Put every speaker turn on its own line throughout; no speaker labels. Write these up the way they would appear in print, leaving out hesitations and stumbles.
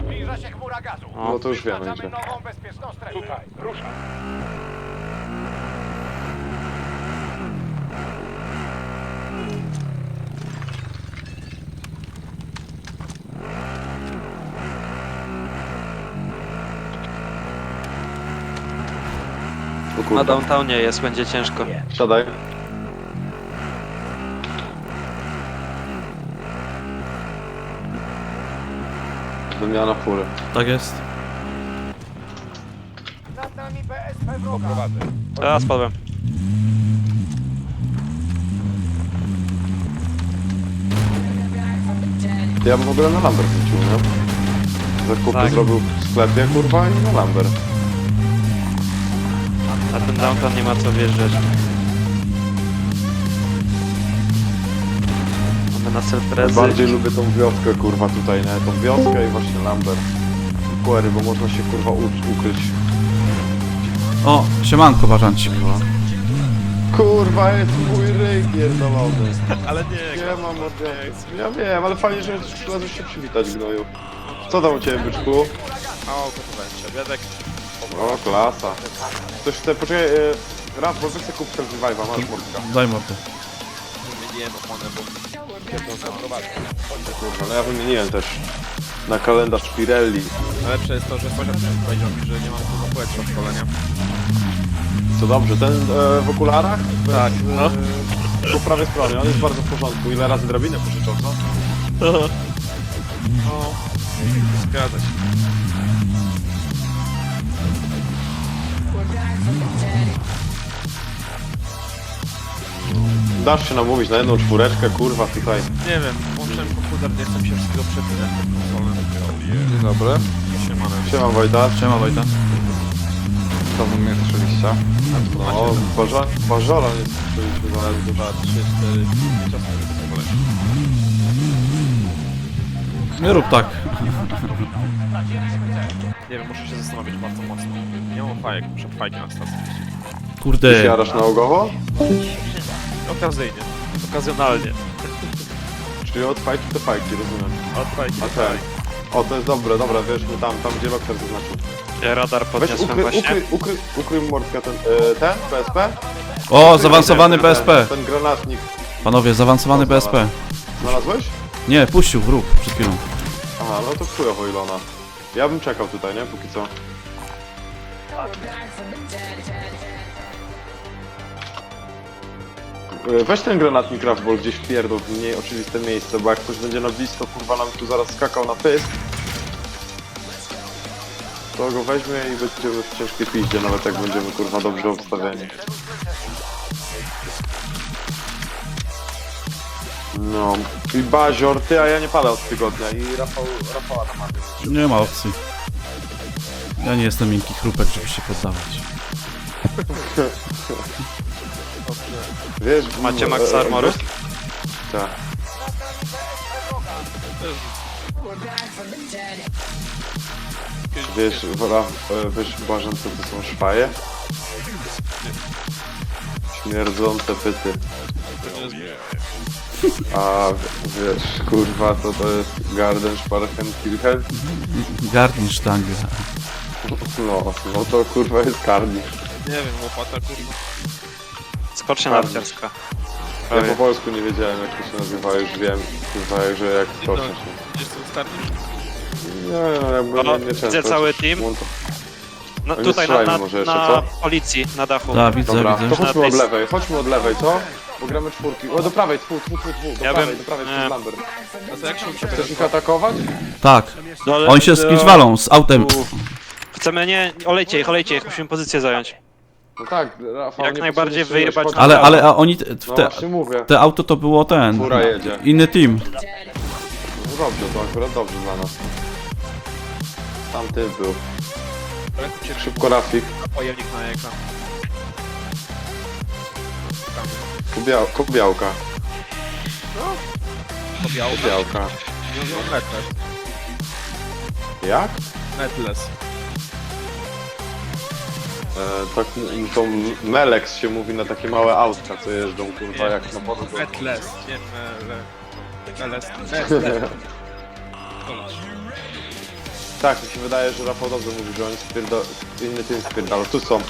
Zbliża się chmura gazu.
No to już wiemy
Wyznaczamy
gdzie.
nową bezpieczną strefę. Tutaj, ruszaj.
O
Na
kurwa.
downtownie jest, będzie ciężko.
Siadaj. Wymiana fury.
Tak jest.
Nad nami BSP wroga.
A, spadłem.
Ja bym w ogóle na Lambert wrócił, nie? Zakupy
Tak.
zrobił w sklepie, kurwa, i na Lambert.
A ten downtown nie ma co wjeżdżać. Mamy na self-rezy.
Bardziej lubię tą wioskę, kurwa, tutaj, nie? Tą wioskę i właśnie Lambert. I Query, bo można się, kurwa, ukryć.
O, siemanko, bażancik.
Kurwa, jest mój ryj pierdolony.
Ale nie,
Nie mam odwiedzenia. Ja wiem, ale fajnie, że przyszedłeś się przywitać, gnoju. Co tam u ciebie, byczku?
O, gotowałem się. Obiadek.
O, klasa. Ktoś chce, poczekaj, raz, bo wy chcę kupić ten revive'a, masz mordka.
Daj mordę.
Wymieniłem oponę, bo pierdolę prowadzę.
Kurwa, no ja wymieniłem też na kalendarz Pirelli.
Najlepsze jest to, że sąsiad powiedział mi, że nie mam tu zapłać do szkolenia.
Co dobrze, ten w okularach?
Tak, no.
Po prawej stronie, on jest bardzo w porządku. Ile razy drabinę pożyczał, co?
No, zgadza się.
Dasz się namówić na jedną czwóreczkę, kurwa, tutaj.
Nie wiem, włączyłem komputer, nie chcę mi się wszystkiego przepinać pod konsolę. Dzień dobry. Siemane.
Siema Wojta.
Siema, Wojta.
To wy mnie słyszeliście?
O, Bażola nie słyszeliśmy za
2, 3, 4, 5 osób w ogóle.
Nie rób tak.
Nie wiem, muszę się zastanowić bardzo mocno. Nie mam fajek, muszę fajki na stacji.
Ty
Kurde.
jarasz nałogowo?
Okazyjnie. Okazjonalnie.
Czyli od fajki do fajki, rozumiem.
Od fajki
A ten. O, to jest dobre, dobra, wiesz, my tam gdzie Lokter zaznaczył.
Ja radar
Weź
podniosłem właśnie.
ukryj mordkę ten PSP?
O, zaawansowany BSP.
Ten granatnik.
Panowie, zaawansowany BSP.
Znalazłeś?
Nie, puścił wróg przed chwilą.
Aha, no to chujowo Ilona. Ja bym czekał tutaj, nie? Póki co. Weź ten granatnik Rafball gdzieś wpierdol w mniej oczywiste miejsce, bo jak ktoś będzie na blisko, kurwa nam tu zaraz skakał na pysk, to go weźmie i będziemy w ciężkiej piździe, nawet jak będziemy, kurwa, dobrze obstawieni. No, i Bazior, ty, a ja nie pada od tygodnia i Rafała namawiam.
Nie ma opcji. Ja nie jestem miękki chrupek, żeby się poddawać.
Wiesz,
Macie max armory?
Tak. Wiesz, wiesz, Błażan, co to są szwaje? Śmierdzące pyty. A wiesz, kurwa, to jest Garden Sparkenkirchen?
Gartensztangę.
No to kurwa jest karnisz.
Nie wiem, łopata kurwa.
Skocznia narciarska.
Ja po polsku nie wiedziałem jak to się nazywa, już wiem, kurwa, że jak skoczę się.
Gdzieś tu skarnisz?
Nie, no jakby
O,
nie często.
widzę cały team.
No
No,
nie
tutaj
strzelajmy może jeszcze,
na
co?
policji, na dachu.
Tak, widzę,
Dobra, to
widzę.
chodźmy od lewej, co? Bo gramy czwórki. O, do prawej, tfu, do
Ja
prawej,
bym-
do prawej,
nie.
przez Lambert.
A to jak się
Chcesz ich atakować?
Tak.
No, ale-
Oni się z kimś walą, z autem.
Chcemy nie... Olejcie ich, musimy pozycję zająć.
No tak, Rafał,
Jak
nie
najbardziej
potrzebujesz
wyjebać
chodź-
Ale a oni,
No
te,
właśnie mówię.
te auto to było ten.
Fura jedzie.
Inny team.
No dobrze, to akurat dobrze dla nas. Tam ty był. Szybko Rafik.
Pojemnik na ekran.
Kubiałka.
Pobiałka.
Kubiałka.
No, netless.
Jak?
Netless.
Tak, to Melex się mówi na takie małe autka, co jeżdżą, kurwa, jak na polu.
Netless. Nie Netless. Netless.
Tak, mi się wydaje, że Rafał dobrze mówi, że oni inny tym spierdalą. Tu są.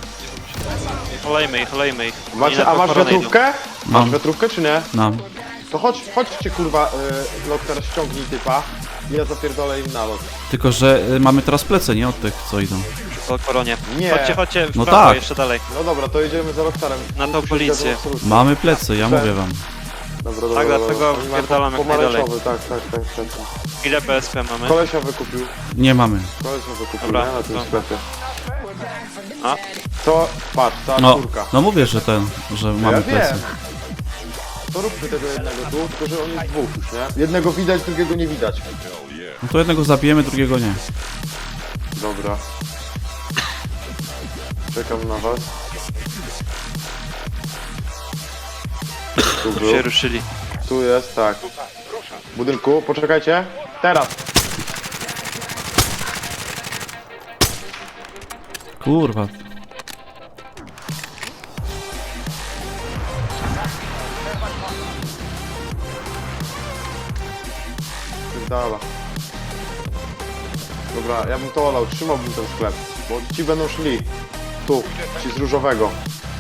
Olejmy ich.
Macie,
Oni
a
na
masz
koronę idą.
wiatrówkę?
Mam.
Masz wiatrówkę czy nie?
Mam.
To chodźcie kurwa, lot teraz ściągnij typa i ja zapierdolę im na lot.
Tylko, że mamy teraz plece, nie od tych, co idą.
Po koronie.
Nie.
Chodźcie w
No
prawo,
tak.
jeszcze dalej.
No dobra, to jedziemy za Rockstarem.
Na tą
Tu się
policję.
zgadzam absolutnie.
Mamy plecy, ja mówię wam.
Dobra,
Tak,
dobra,
dlatego
dobra. Oni mają
wpierdalam jak najdalej.
pomarańczowy, tak.
Ile PSP mamy?
Kolesia wykupił.
Nie mamy.
Kolesia wykupił,
Dobra,
nie? Na tym
to-
sklepie.
A?
To, patrz, ta
No,
czwórka.
no mówię, że mamy
Ja
plecy.
wiem. To róbmy tego jednego tu, tylko że on jest dwóch już, nie? Jednego widać, drugiego nie widać.
No to jednego zabijemy, drugiego nie.
Dobra. Czekam na was. Tu był.
Się ruszyli.
Tu jest, tak. W budynku, poczekajcie. Teraz.
Kurwa.
Pierdala. Dobra, ja bym to olał, trzymałbym ten sklep. Bo ci będą szli. Tu, ci z różowego.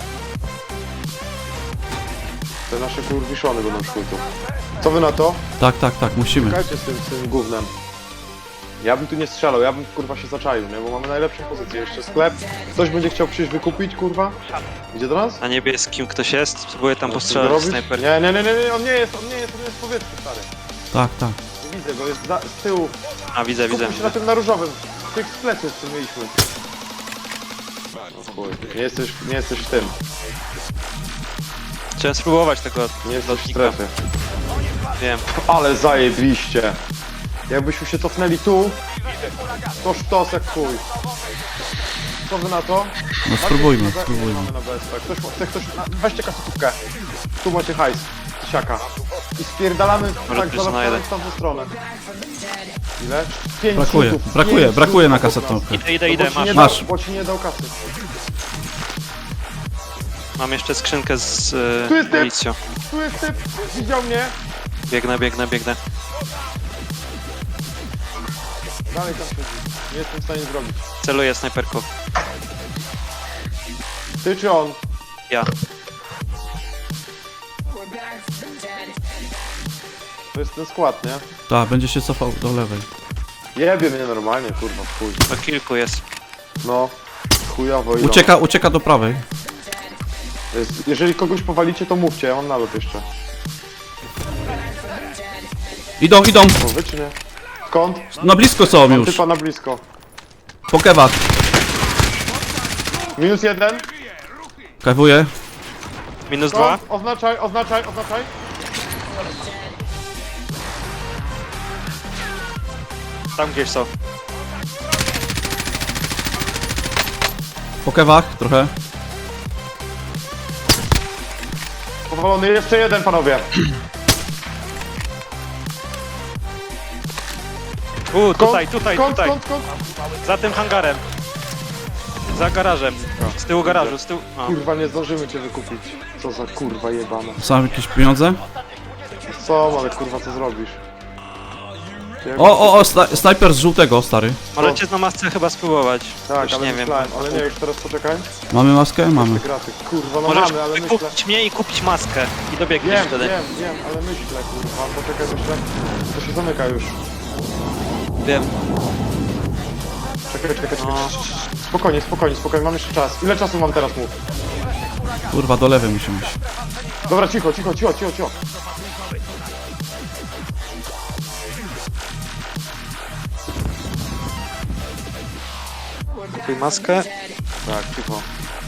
Te nasze kurwiszony będą szły tu. Co wy na to?
Tak, musimy.
Czekajcie z tym gównem. Ja bym tu nie strzelał, ja bym kurwa się zaczaił, nie? Bo mamy najlepszą pozycję. Jeszcze sklep. Ktoś będzie chciał przyjść wykupić, kurwa? Idzie do nas?
Na niebieskim ktoś jest? Spróbuję tam
Co
postrzelać
robisz?
snajper.
Nie, on nie jest w powietrzu, stary.
Tak.
Nie widzę go, jest z tyłu.
A, widzę.
Skupmy się na tym na różowym. Tych z pleców, co mieliśmy. O chuj, nie jesteś w tym.
Chciałem spróbować tego
Nie jesteś w
lotnika.
strefie.
Wiem.
Ale zajebiście. Jakbyśmy się cofnęli tu, to sztos jak chuj. Co wy na to?
No spróbujmy.
Mamy na BSP. Weźcie kasetówkę. Tu macie hajs. Siaka. I spierdalamy tak
plus na
za
jeden.
w tamtą stronę. Ile? 5
Brakuje,
rzutów.
brakuje,
5
brakuje na
rzutów obok nas.
kasetówkę.
Idę,
No bo ci nie
masz.
dał- Bo ci nie dał kasy.
Mam jeszcze skrzynkę z
Tu jest typ!
amunicją.
Tu jest typ, widział mnie.
Biegnę.
Dalej tam siedzi. Nie jestem w stanie zrobić.
Celuję snajperką.
Ty czy on?
Ja.
To jest ten skład, nie?
Tak, będzie się cofał do lewej.
Jebie mnie normalnie, kurwa, w chuj.
To kilku jest.
No, chujowo idą.
Ucieka do prawej.
Jeżeli kogoś powalicie, to mówcie, ja mam nalot jeszcze.
Idą.
To wy czy nie? Skąd?
Na blisko są
Mam
już.
typa na blisko.
Po kewach.
-1.
Kawuję.
Minus
Skąd?
2.
Oznaczaj.
Tam gdzieś są.
Po kewach trochę.
Powalony, jeszcze jeden, panowie.
Tutaj.
Skąd?
Za tym hangarem. Za garażem. Z tyłu garażu, z tyłu. O.
Kurwa, nie zdążymy cię wykupić. Co za kurwa jebana.
Są jakieś pieniądze?
Co, ale kurwa, co zrobisz?
O, snajper z żółtego, stary.
Możecie na masce chyba spróbować.
Tak,
Już
ale
nie wiem.
myślałem, ale nie, już teraz poczekaj.
Mamy maskę? Mamy.
Graty. Kurwa, no
Możesz
mamy, ale myślę...
wykupić mnie i kupić maskę. I dobiegniesz
Wiem,
wtedy.
ale myślę, kurwa, poczekaj, myślę. To się zamyka już.
Wiem.
Czekaj.
No.
Spokojnie, mam jeszcze czas. Ile czasu mam teraz, mów?
Kurwa, do lewej musimy iść.
Dobra, cicho.
Kupuj maskę.
Tak, cicho.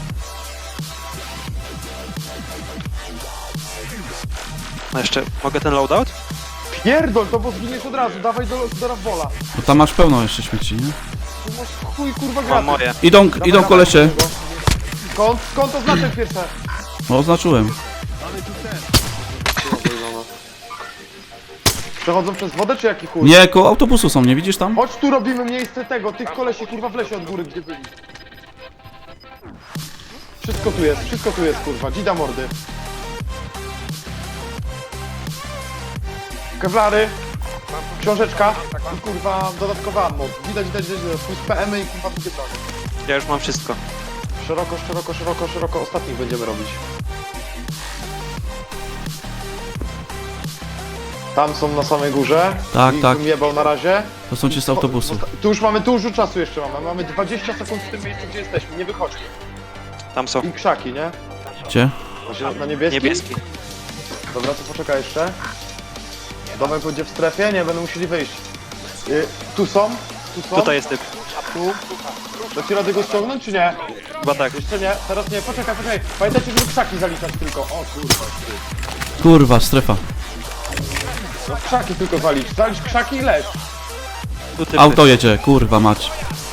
No jeszcze, mogę ten loadout?
Pierdol, to bo zginiesz od razu, dawaj do Rafbola.
Bo tam masz pełno jeszcze śmieci, nie?
Tu masz chuj, kurwa,
Mam
graty.
moje.
Idą kolesie.
Skąd oznaczę pierwsze?
No, oznaczyłem.
Przechodzą przez wodę, czy jaki chuj?
Nie, koło autobusu są, nie widzisz tam?
Chodź tu, robimy miejsce tych kolesi, kurwa, w lesie od góry, gdzie byli. Wszystko tu jest, kurwa, dzida mordy. Kewlary. Książeczka i kurwa dodatkowa ammo. Widać, plus PM-y i kurwa drugie broni.
Ja już mam wszystko.
Szeroko, ostatnich będziemy robić. Tam są na samej górze.
Tak,
Ich
tak.
bym jebał na razie.
To są ci z autobusu.
Tu już mamy dużo czasu jeszcze mamy. Mamy 20 sekund w tym miejscu, gdzie jesteśmy. Nie wychodźmy.
Tam są.
I krzaki, nie?
Gdzie?
Na niebieski?
Niebieski.
Dobra, to poczekaj jeszcze. Domek będzie w strefie? Nie, będą musieli wyjść. Tu są?
Tutaj jest typ.
Tu. Dacie radę go ściągnąć, czy nie?
Chyba tak.
Jeszcze nie, teraz nie. Poczekaj. Pamiętajcie, żeby krzaki zaliczać tylko. O kurwa.
Kurwa, strefa.
No krzaki tylko zalicz. Zalicz krzaki i leć.
Tu typy.
Auto jedzie, kurwa mać.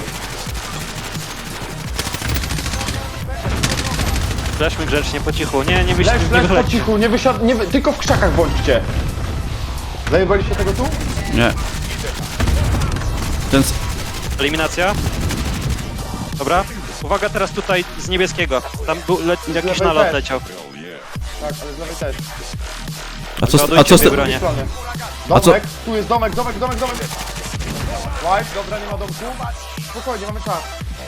Leśmy grzecznie, po cichu. Nie
Leć po
wychodźcie.
cichu, nie wysiad... Nie, tylko w krzakach bądźcie. Zajebaliście tego tu?
Nie. Ten...
Eliminacja. Dobra. Uwaga teraz tutaj z niebieskiego. Tam był jakiś
lewej
nalot
też.
leciał.
Tak, ale z lewej też.
A co z
dwie
tym...
bronie.
A co-
Domek, tu jest domek. White, dobra, nie ma domku. Spokojnie, mamy czas.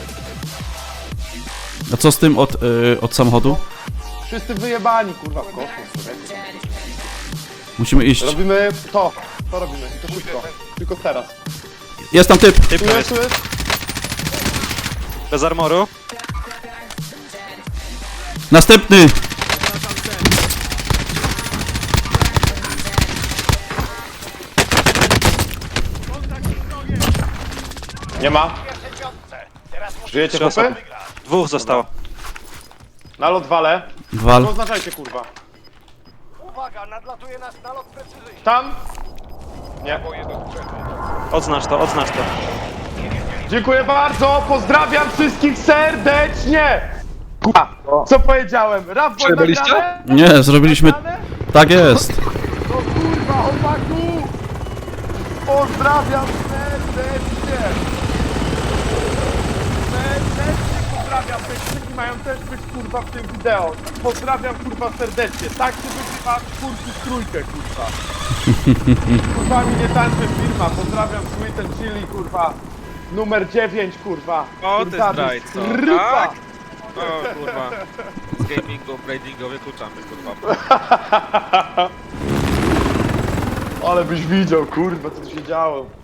A co z tym od samochodu?
Wszyscy wyjebani, kurwa, w kosmos.
Musimy iść.
Robimy to robimy i to szybko. Tylko teraz.
Jest tam typ!
Typ
Tu
tam
jest,
jest.
tu jest.
Bez armoru.
Następny!
Nie ma. Żyjecie,
Trzy
chłopy?
osoby. Dwóch zostało.
Nalot wale.
Wal.
Oznaczajcie, kurwa.
Uwaga, nadlatuje nas nalot precyzyjny.
Tam? Nie.
Odznacz to.
Dziękuję bardzo, pozdrawiam wszystkich serdecznie! Kurwa, co powiedziałem? Rap
Przebyliście?
Nie, zrobiliśmy... Tak jest.
No kurwa, chłopaku! Pozdrawiam serdecznie! Serdecznie pozdrawiam, te krzyki mają też być kurwa w tym wideo. Pozdrawiam kurwa serdecznie, tak się wygrywa czwórki w trójkę kurwa. Kurwa mi nie tańczy firma, pozdrawiam Sweet and Chili kurwa. Numer 9 kurwa.
O, ty
Kurwa,
zdrajco,
ryba.
tak? O kurwa. Z gamingu, tradingu wykluczamy kurwa.
Ale byś widział kurwa co tu się działo.